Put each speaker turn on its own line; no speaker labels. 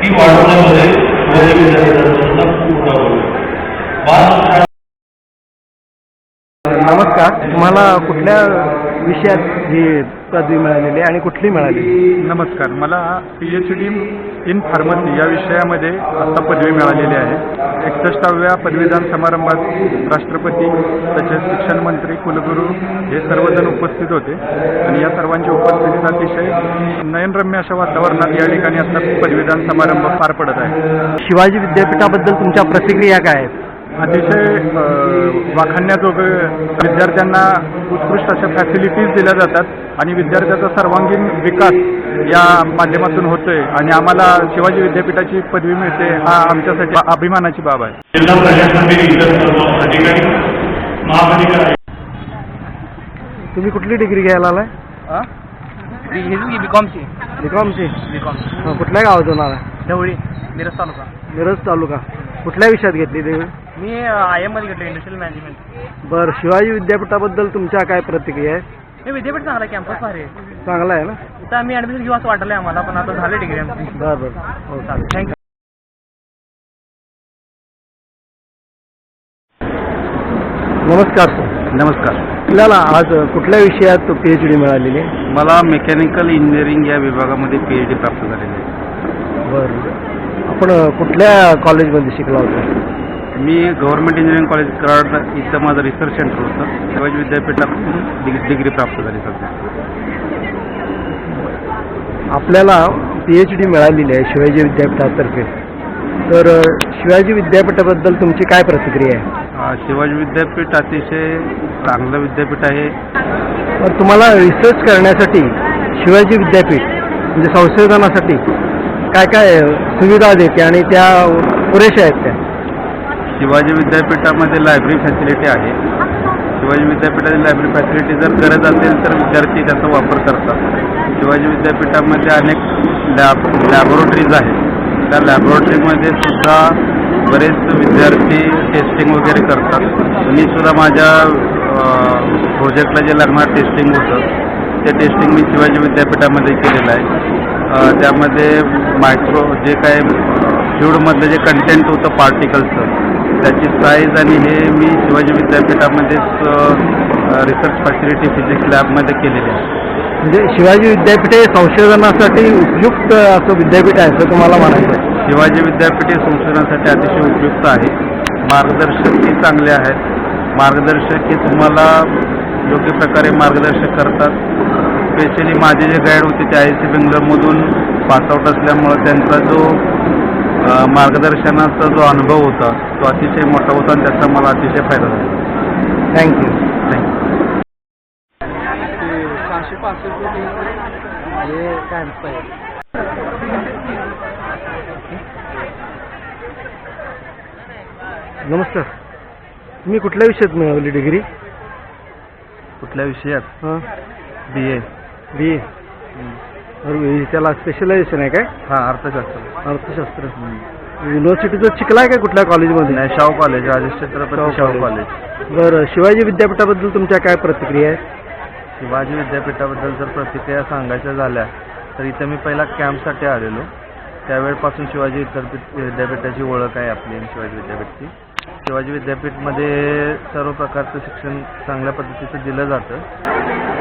ती वाढवण्यामध्ये शिवाजी विद्यापीठाचा खूप मोठा रोल आहे.
नमस्कार, तुम्हाला कुठल्या विषयात ही पदवी मिळालेली आणि कुठली मिळाली?
नमस्कार, मला PhD इन फार्मसी या विषयामध्ये आता पदवी मिळालेली आहे. 61व्या पदवीदान समारंभात राष्ट्रपती तसेच शिक्षण मंत्री, कुलगुरू हे सर्वजण उपस्थित होते आणि या सर्वांच्या उपस्थितीत अतिशय नयनरम्य अशा वातावरणात या ठिकाणी आता पदवीदान समारंभ पार पडत आहे.
शिवाजी विद्यापीठाबद्दल तुमच्या प्रतिक्रिया काय आहेत?
अतिशय वाखाणण्याजोगं विद्यार्थ्यांना उत्कृष्ट अशा फॅसिलिटीज दिल्या जातात आणि विद्यार्थ्याचा सर्वांगीण विकास या माध्यमातून होतोय आणि आम्हाला शिवाजी विद्यापीठाची पदवी मिळते हा आमच्यासाठी अभिमानाची बाब आहे.
जिल्हा प्रशासनातील इतर सर्व अधिकारी, महाअधिकारी.
तुम्ही कुठली डिग्री घ्यायला आलाय?
बीकॉमची.
बीकॉमची?
बीकॉम.
कुठल्या गावातून आला?
ढवळी, मिरज तालुका.
मिरज तालुका. कुठल्या विषयात घेतली डिग्री?
मी IM मध्ये घेतलं, इंडस्ट्रियल मॅनेजमेंट.
बरं, शिवाजी विद्यापीठाबद्दल तुमच्या काय प्रतिक्रिया आहे?
हे विद्यापीठ चांगला आहे, कॅम्पस भारी आहे.
चांगला आहे ना?
इथं आम्ही ॲडमिशन घेऊ असं वाटलं आम्हाला, पण आता झाली डिग्री आमची.
बरं बरं, हो चालेल, थँक्यू. नमस्कार सर.
नमस्कार,
आपल्याला आज कुठल्या विषयात PhD मिळालेली आहे?
मला मेकॅनिकल इंजिनिअरिंग या विभागामध्ये PhD प्राप्त झालेली आहे.
बरं, आपण कुठल्या कॉलेजमध्ये शिकला होता?
मी गव्हर्नमेंट इंजिनिअरिंग कॉलेज कराड इथं माझं रिसर्च सेंटर होतं. शिवाजी विद्यापीठातून डिग्री प्राप्त झाली सध्या.
आपल्याला PhD मिळालेली आहे शिवाजी विद्यापीठातर्फे, तर शिवाजी विद्यापीठाबद्दल तुमची काय प्रतिक्रिया आहे?
शिवाजी विद्यापीठ अतिशय चांगलं विद्यापीठ आहे.
तर तुम्हाला रिसर्च करण्यासाठी शिवाजी विद्यापीठ म्हणजे संशोधनासाठी काय काय सुविधा देते आणि त्या पुरेशा आहेत त्या?
शिवाजी विद्यापीठामध्ये लायब्ररी फॅसिलिटी आहे. शिवाजी विद्यापीठाची लायब्ररी फॅसिलिटी जर गरज असेल तर विद्यार्थी त्याचा वापर करतात. शिवाजी विद्यापीठामध्ये अनेक लॅबोरेटरीज आहेत. त्या लॅबोरेटरीमध्ये सुद्धा बरेच विद्यार्थी टेस्टिंग वगैरे करतात. मी सुद्धा माझ्या प्रोजेक्टला जे लागणार टेस्टिंग होतं ते टेस्टिंग मी शिवाजी विद्यापीठामध्ये केलेलं आहे. त्यामध्ये मायक्रो जे काय फ्लुइडमधलं जे कंटेंट होतं पार्टिकलचं त्याची साईज आणि हे मी शिवाजी विद्यापीठामध्येच रिसर्च फॅसिलिटी फिजिक्स लॅबमध्ये केलेली आहे.
म्हणजे शिवाजी विद्यापीठ हे संशोधनासाठी उपयुक्त असं विद्यापीठ आहे असं तुम्हाला म्हणायचं आहे?
शिवाजी विद्यापीठ हे संशोधनासाठी अतिशय उपयुक्त आहे. मार्गदर्शकही चांगले आहेत. मार्गदर्शक हे तुम्हाला योग्य प्रकारे मार्गदर्शक करतात. स्पेशली माझे जे गाईड होते ते IISc बेंगलोरमधून पासआउट असल्यामुळं त्यांचा जो मार्गदर्शनाचा जो अनुभव होता तो अतिशय मोठा होता आणि त्याचा मला अतिशय फायदा झाला.
थँक्यू. नमस्कार, तुम्ही कुठल्या विषयात मिळवली डिग्री?
कुठल्या विषयात? BA.
त्याला स्पेशलायझेशन आहे काय?
हां, अर्थशास्त्र.
अर्थशास्त्र. युनिव्हर्सिटीचं शिकलाय का कुठल्या कॉलेजमध्ये?
नाही, शाहू कॉलेज, राजेश छत्रपती शाहू कॉलेज.
बरं, शिवाजी विद्यापीठाबद्दल तुमच्या काय प्रतिक्रिया आहेत?
शिवाजी विद्यापीठाबद्दल जर प्रतिक्रिया सांगायच्या झाल्या तर इथं मी पहिला कॅम्पसाठी आलेलो. त्यावेळेपासून शिवाजी विद्यापीठाची ओळख आहे आपली शिवाजी विद्यापीठची. शिवाजी विद्यापीठमध्ये सर्व प्रकारचं शिक्षण चांगल्या पद्धतीचं दिलं जातं.